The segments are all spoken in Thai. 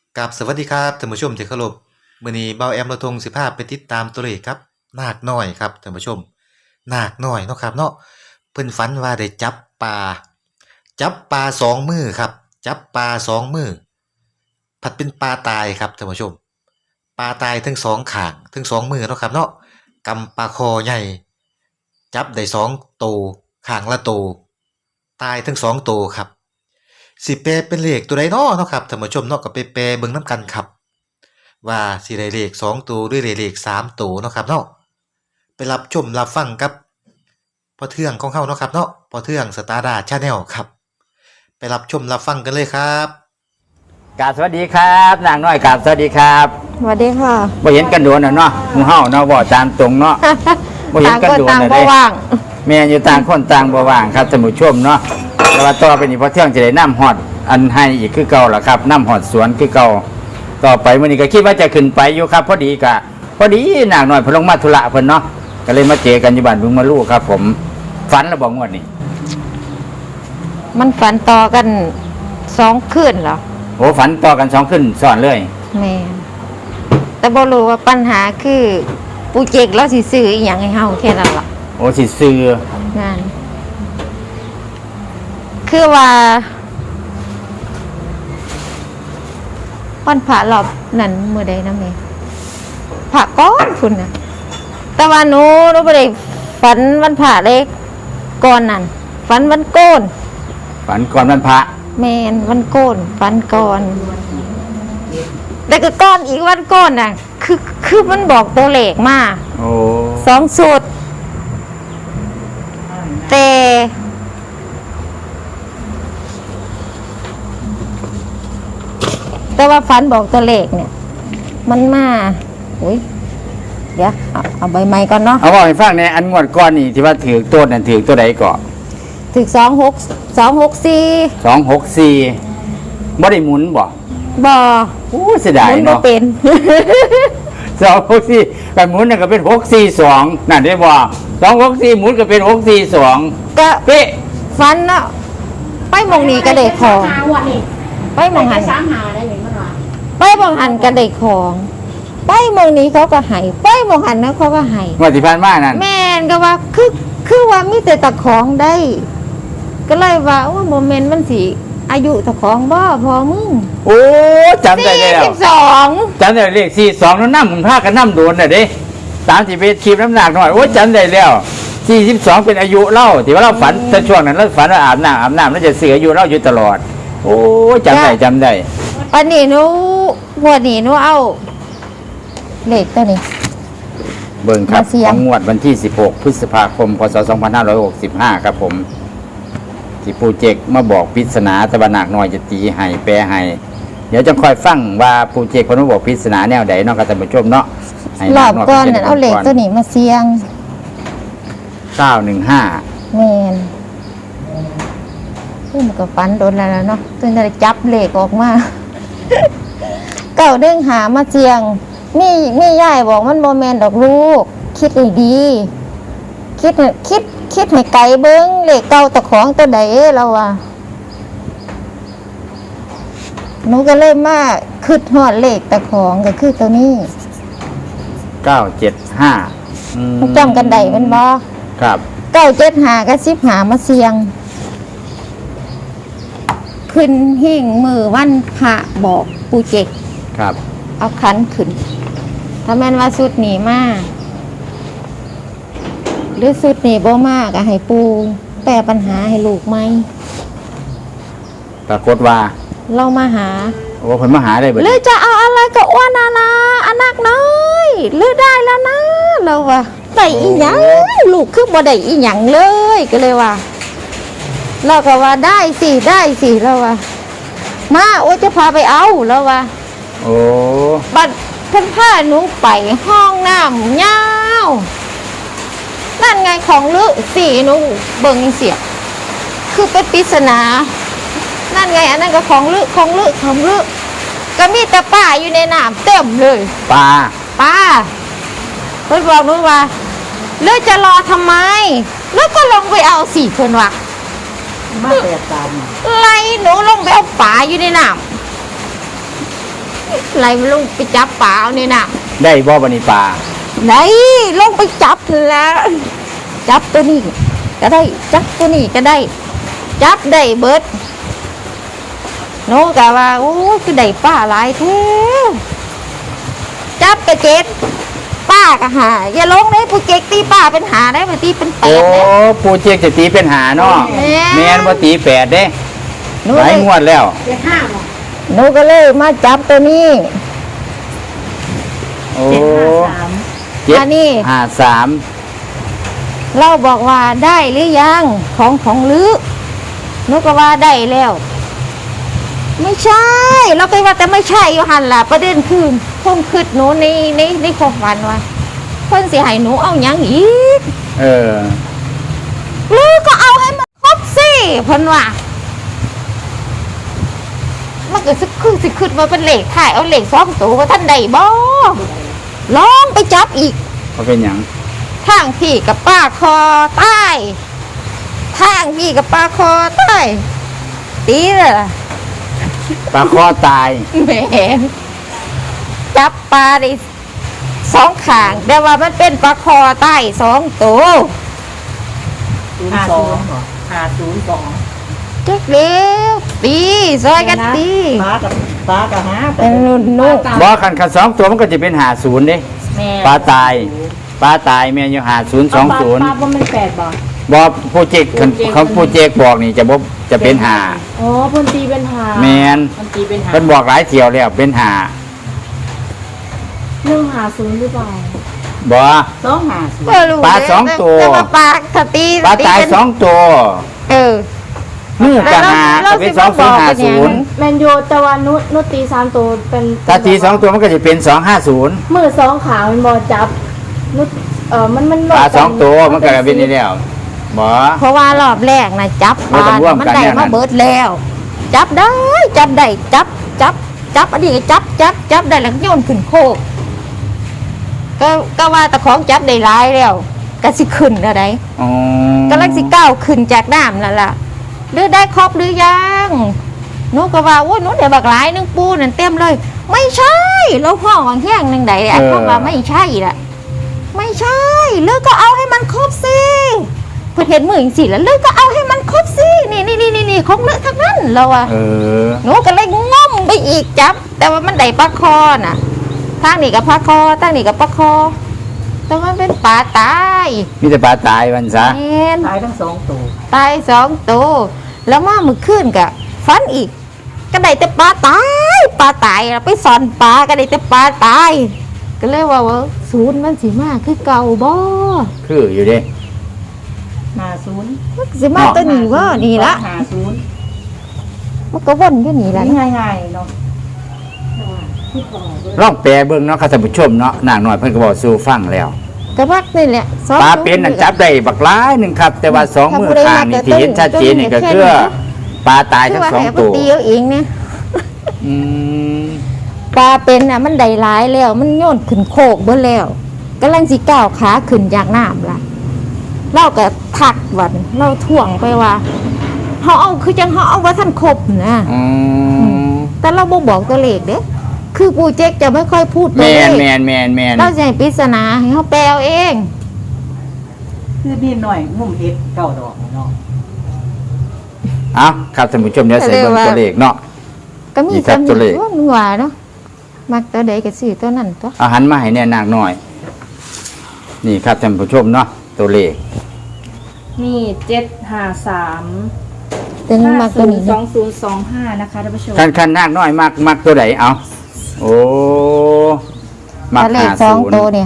กับสวัสดีครับท่านผู้ชมที่เคารพมื้อนี้เบาแอมเราทงสิพาไปติดตามตัวเลขครับนาคน้อยครับท่านผู้ชมนาคน้อยเนาะครับเนาะเพิ่นฝันว่าได้จับปลาสองมือครับจับปลาสองมือผัดเป็นปลาตายครับท่านผู้ชมปลาตายทั้งสองข้างทั้งสองมือเนาะครับเนาะกำปลาคอใหญ่จับได้สองตัวข้างละตัวตายทั้งสองตัวครับ สิแปลเป็นเลขตัวใดน้อเนาะครับท่านผู้ชมเนาะก็ไปแปลเบิ่งนำกันครับว่าสิได้เลข2ตัวหรือได้เลข3ตัวเนาะครับเนาะไปรับชมรับฟังกับพ่อเทืองของเฮาเนาะครับเนาะพ่อเทืองสตาร์ดาชาแนลครับไปรับชมรับฟังกันเลยครับกราบสวัสดีครับนางน้อยกราบสวัสดีครับสวัสดีค่ะบ่เห็นกันโดนเนาะหมู่เฮาเนาะบ่ตามตรงเนาะบ่เห็นกันโดนต่างคเด้ว่างแม่อยู่ต่างคนต่างบ่ว่างครับท่านผู้ชมเนาะแต่ว่าต่อไปนี้พอเที่ยงจะได้น้ำฮอดอันให้อีกคือเก่าล่ะครับน้ำฮอดสวนคือเก่าต่อไปมื้อนี้ก็คิดว่าจะขึ้นไปอยู่ครับพอดีนางน้อยเพิ่นลงมาธุระเพิ่นเนาะก็เลยมาเจอกันอยู่บ้านบึงมาลูกครับผมฝันแล้วบ่งวดนี้มันฝันต่อกัน2 คืนเหรอโอ้ฝันต่อกัน2คืนซ้อนเลยแม่แต่บ่รู้ว่าปัญหาคือปูเจกเราสิซื้ออีหยังให้เฮาแค่นั้นล่ะโอ้สิซื้อนั่นคือว่าวันพระรอบนั้นมื้อใดนะแม่พระก่อนพุ่นน่ะแต่ว่าหนูบ่ได้ฝันวันพระเลยก่อนนั้นฝันวันโกนฝันก่อนวันพระแม่นวันโกนฝันก่อนแต่ก็ก้อนอีกวันก้อนน่ะคือมันบอกตัวเลขมาโอ้ 2สูตรแต่ว่าฝันบอกตัวเลขเนี่ยมันมาอุ้ยเดี๋ยวเอาใบไม้ก่อนเนาะเอาบอกให้ฟังในอันงวดก้อนนี่ที่ว่าถือตัวนั่นถือตัวใดก่อนถึก264 บ่ได้หมุนบ่โอ้เสียดายเนาะบ่เป็น 264กันหมุนน่ะก็เป็น642นั่นได้บ่264หมุนก็เป็น642 ก็เป๊ะฝันเนาะไปหม่องนี้ก็ได้ของไปหม่องหันไปหม่องหันก็ได้ของไปหม่องนี้เขาก็ให้ไปหม่องหันนะเขาก็ให้งวดที่ผ่านมานั่นแม่นก็ว่าคือว่ามีแต่ตะของได้ก็เลยว่าโอ้โมเมนต์มันสิอายุตะของบ่พอมึงโอ้จำได้แล้ว 42 จำได้เลข42แล้วนำพากันนำโดนน่ะเด้31คลิปน้ำหนักหน่อยโอ้จำได้แล้ว42เป็นอายุเล่าที่ว่าเราฝันแต่ช่วงนั้นเราฝันว่าอาบน้ำแล้วจะเสียอายุเราอยู่ตลอดโอ้จำได้อันนี้หนูหัวนี้หนูเอาเลขตัวนี้เบิ่งครับของงวดวันที่16พฤษภาคมพศ2565ครับผมที่ปูเจกมาบอกปริศนาตะวันหนักหน่อยจะตีให้แปลให้เดี๋ยวจะคอยฟังว่าปูเจกคนมาบอกปริศนาแนวใดเนาะครับท่านผู้ชมเนาะรอบก่อนเอาเลขตัวนี้มาเสี่ยง 915 แม่นมันก็ฝันโดนแล้วเนาะจนได้จับเลขออกมา915มาเสี่ยงมียายบอกมันบ่แม่นดอกลูกคิดให้ดีคิดให้ไกลเบิ่งเลขเก่าตะของตัวใดเราว่าหนูก็เลยมาคิดฮอดเลขตะของก็คือตัวนี้ 975 จำกันได้แม่นบ่ครับ 975กับ15มาเสี่ยงขึ้นหิ้งมือวันพระบอกปูเจกครับเอาขันขึ้นถ้าแม่นว่าสุดหนีมาหรือสุดหนีบ่มากก็ให้ปูแก้ปัญหาให้ลูกไหมปรากฏว่าเรามาหาโอ้เพิ่นมาหาได้เบิดหรือจะเอาอะไรก็อ้วนนะอันนักน้อยหรือได้แล้วนะเราว่าได้อีหยังลูกคือบ่ได้อีหยังเลยก็เลยว่าเราก็ว่าได้สิเราว่ามาโอ้จะพาไปเอาแล้วว่าโอ้บัดเพิ่นพาหนูไปห้องน้ำยาวนั่นไงของลึสิหนูเบิ่งเสียคือเป็นปริศนานั่นไงอันนั้นก็ของลึก็มีแต่ป้าอยู่ในน้ำเต็มเลยป้าเพิ่นบอกหนูว่าเลือจะรอทำไมแล้วก็ลงไปเอาสิเพิ่นว่ามาแปดตามไล่หนูลงไปเอาป่าอยู่ในน้ำไหลลงไปจับปลาเอานี่น่ะได้บ่บัดนี้ปลาไหนลงไปจับแล้วจับตัวนี้ก็ได้จับตัวนี้ก็ได้ จับได้เบิดโน้กะว่าโอ้ยคือได้ป้าหลายแท้จับกระเจ็ดป้ากะหาอย่าลงเลยผู้เจ๊กตีป้าเป็นหาได้มาตีเป็นแปโอ้ดได้ปูเจกจะตีเป็นหาเนาะแม่นแม่นบ่ตีแปดเด้หนูหลายงวดแล้วหนูก็เลยมาจับตัวนี้โอ้อันนี้ 753 เราบอกว่าได้หรือยังของลือหนูก็ว่าได้แล้ว ไม่ใช่ เราไปว่าแต่ไม่ใช่อยู่หันล่ะประเด็นคือคงคิดหนูในความฝันว่าเพิ่นสิให้หนูเอาหยังอีกเออลือก็เอาให้มันครบสิเพิ่นว่ามันก็สิคิดว่าเป็นเลขถ่ายเอาเลข2ตัวว่าท่านใดบ่ลองไปจับอีกเขาเป็นหยังทางพี่กับป้าคอใต้ทางพี่กับป้าคอใต้ตีเลยล่ะปลาคอตายแหมจับปลาได้2ข้างแต่ว่ามันเป็นปลาคอใต้2ตัว 502 เจ๊กเร็วตีซอยกันตีปลากับหาเป็นนุ่นบ่คันสองตัวมันก็จะเป็น50เด้แม่ปลาตายแม่นอยู่ปลา 5020 บ่มัน8บ่บ่ผู้เจกเขาผู้เจกบอกนี่จะเป็นหาอ๋อเพิ่นตีเป็นหาแม่นเพิ่นตีเป็นหาเพิ่นบอกหลายเที่ยวแล้วเป็นหา 150หรือเปล่าบ่ 250 ก็รู้ปลาสองตัวแต่ว่าปลาสตีปลาตายเป็น 2ตัวเออมือกับหาแล้ก็วเป็นสิมาบอกเป็นหยัง 2050 แมนยูแต่ว่านุตี3ตัวเป็นถ้าตี2ตัวมันก็จะเป็น250 มือ2ขามันบ่จับนุมันปลา2ตัวมันก็เป็นนี่แล้วบ่เพราะว่ารอบแรกนะจับปลาไม่ต้องร่วมมันกันได้แน่นั้นมาเบิดแล้ว จับได้จับอันนี้ก็จับได้แล้วก็โยนขึ้นโคกก็ว่าตะของจับได้หลายแล้วก็สิขึ้นอะไรอ๋อกำลังสิก้าวขึ้นจากน้ำนั่นล่ะหรือได้ครบหรือยังหนูก็ว่าโอ้ยหนูได้บักหลายนึงปูนั่นเต็มเลย ไม่ใช่เราห้องแห้งนึงใดอ่ะเพราะว่าไม่ใช่ล่ะไม่ใช่เลือกก็เอาให้มันครบสิเพื่อเห็นมืออย่างสิแล้วเลือกก็เอาให้มันครบสินี่ของเลือกทั้งนั้นเราอะเออหนูก็เลยง่อมไปอีกจับ แต่ว่ามันได้ปลาคอน่ะทางนี้กับปลาคอทางนี้กับปลาคอแต่มันเป็นปลาตายมีแต่ปลาตายมันซะแม่นตายทั้ง2ตัวตาย2ตัวแล้วมามือขึ้นกะฟันอีก ก็ได้แต่ปลาตายเราไปสอนปลาก็ได้แต่ปลาตาย ก็เลยว่าศูนย์มันสิมาคือเก่าบ่คืออยู่เด้ 50 มันสิมาตัวนี้ว่านี่ละ 50 มันก็วนอยู่นี่ละนี่ง่ายๆเนาะลองแปลเบิ่งเนาะค่ะท่านผู้ชมเนาะนางน้อยเพิ่นก็บอกสู่ฟังแล้วก็มักนี่แหละสองปลาเป็นนั่นจับได้บักหลายหนึงครับ แต่ว่า2มือข้างนี่ที่เห็นชัดเจนนี่ก็คือปลาตายคือทั้งว่าสองให้มันตัวตีเอาเองเนี่ยอืมปลาเป็นน่ะมันได้หลายแล้ว มันโยนขึ้นโคกเบิดแล้วกำลังสิก้าวขาขึ้นจากน้ำล่ะเราก็ทักวันเราถ่วงไปว่าเฮาเอาคือจังเฮาเอาว่าท่านครบนะอืมแต่เราบ่บอกตัวเลขเด้คือปูเจ๊กจะไม่ค่อยพูดตัวแม่เลนขแม่นแม่นแม่นเราจะให้ปริศนาให้เขาแปลเอาเองคือนี่หน่อยงุ่มเฮ็ด9ดอกเนาะเอาครับท่านผู้ชมเดี๋ยวใส่เบิ่งตัวเลขเนาะก็มีนี่ครับจำตัวเลขว่าหนัวเนาะมักตัวใดก็ซื้อตัวนั้นตัวเอาหันมาให้แน่นางน้อย นี่ครับท่านผู้ชมเนาะตัวเลขมี753 ตัวนี้มักตัวนี้นะ 2025นะคะท่านผู้ชมคันนางน้อยมักตัวใดเอาโอ้มักถ้าเลขหาสองศูนตัวย์เนี่ย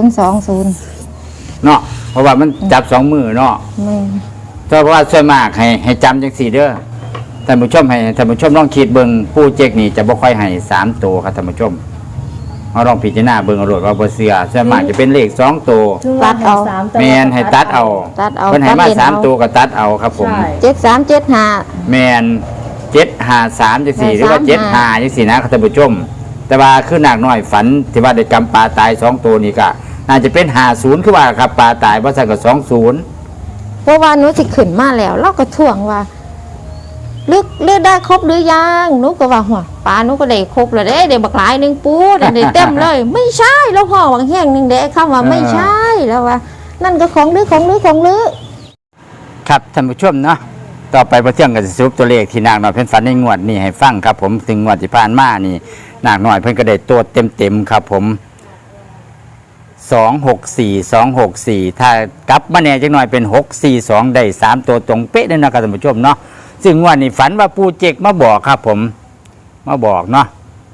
5020 เนาะเพราะว่ามันจับ2มือเนาะแม่นเพราะว่าส่วนมากให้จำจังสี่เด้อท่านผู้ชมให้ท่านผู้ชมลองคิดเบิ่งผู้เจกนี่จะบ่ค่อยให้3ตัวครับท่านผู้ชมเอาลองพิจารณาเบิ่งเอาโลดว่าบ่เชื่อส่วนมากจะเป็นเลข2ตัวตัดเอาแม่นให้ตัดเอาตัดเอาเพิ่นให้มาตัดเล่นเอา 3ตัวก็ตัดเอาครับผมใช่ 7375 แม่น753จังสี่หรือว่า75จังสี่นะครับท่านผู้ชม แต่ว่าคือนางน้อยฝันที่ว่าได้กำปลาตาย2ตัวนี่ก็น่าจะเป็น50คือว่าครับปลาตายบ่ซั่นก็20 เพราะว่าหนูสิขึ้นมาแล้ว เราก็ถ่วงว่าเลือกได้ครบหรือยังหนูก็ว่าหัวปลาหนูก็ได้ครบแล้วเด้บักหลายหนึงปูได้เต็มเลย ไม่ใช่แล้วพ่อบางแห้งหนึงเด้คำว่าไม่ใช่แล้วว่า นั่นก็ของลือครับท่านผู้ชมเนาะต่อไปพระเที่ยงก็จะสรุปตัวเลขที่นางน้อยเพิ่นฝันในงวดนี้ให้ฟังครับผมถึงงวดที่ผ่านมานี่นางน้อยเพิ่นก็ได้ตัวเต็มครับผม264ถ้ากลับมาแน่จักหน่อยเป็น642ได้3ตัวตรงเป๊ะเลยนะครับท่านผู้ชมเนาะซึ่งงวดนี้ฝันว่าปู่เจกมาบอกครับผมมาบอกเนาะ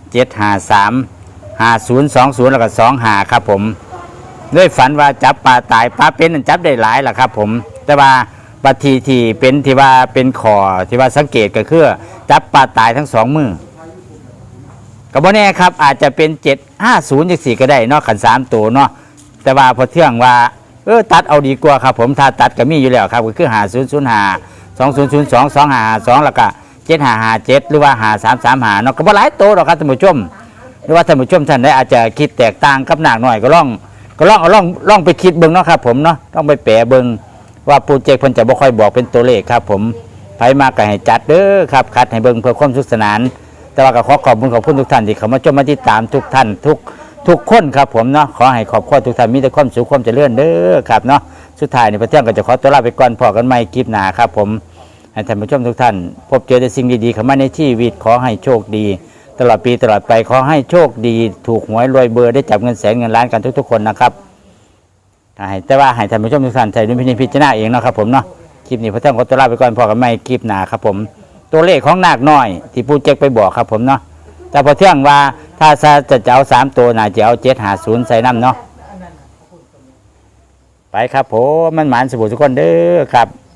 753 5020แล้วก็25ครับผมด้วยฝันว่าจับปลาตายปลาเป็นนั่นจับได้หลายล่ะครับผมแต่ว่าบัดทีที่เป็นที่ว่าเป็นขอที่ว่าสังเกตก็คือจับปลาตายทั้ง2มือก็บ่แน่ครับอาจจะเป็น750จังซี่ก็ได้เนาะขัน3ตัวเนาะแต่ว่าพอเที่ยงว่าตัดเอาดีกว่าครับผมถ้าตัดก็มีอยู่แล้วครับก็คือ5005 2002 2552แล้วก็7557หรือว่า5335เนาะก็บ่หลายตัวหรอกครับท่านผู้ชมหรือว่าท่านผู้ชมท่านใดอาจจะคิดแตกต่างกับนางน้อยก็ลองไปคิดเบิ่งเนาะครับผมเนาะต้องไปแปะเบิ่งว่าปู่เจกเพิ่นจะบ่ค่อยบอกเป็นตัวเลขครับผมไผมากก็ให้จัดเด้อครับคัดให้เบิ่งเพื่อความสุขสนานแต่ว่าก็ขอบคุณทุกท่านที่เข้ามาชมมาติดตามทุกท่านทุกคนครับผมเนาะขอให้ครอบครัวทุกท่านมีแต่ความสุขความเจริญเด้อครับเนาะสุดท้ายนี่พระเที่ยงก็จะขอตัวลาไปก่อนพอกันใหม่คลิปหน้าครับผมให้ท่านผู้ชมทุกท่านพบเจอแต่สิ่งดีๆเข้ามาในชีวิตขอให้โชคดีตลอดปีตลอดไปขอให้โชคดีถูกหวยรวยเบอร์ได้จับเงินแสนเงินล้านกันทุกๆคนนะครับแต่ว่าให้ท่านผู้ชมทุกท่านใช้ดุลพินิจพิจารณาเองเนาะครับผมเนาะคลิปนี้พระเที่ยงขอตัวลาไปก่อนพอกันใหม่คลิปหน้าครับผมตัวเลขของนาคน้อยที่ปู่เจกไปบอกครับผมเนาะแต่พอเที่ยงว่าถ้าจะเอา3ตัวน่าจะเอา750ใส่น้ำเนาะไปครับผมมันหมานสบู่ทุกคนเด้อครับ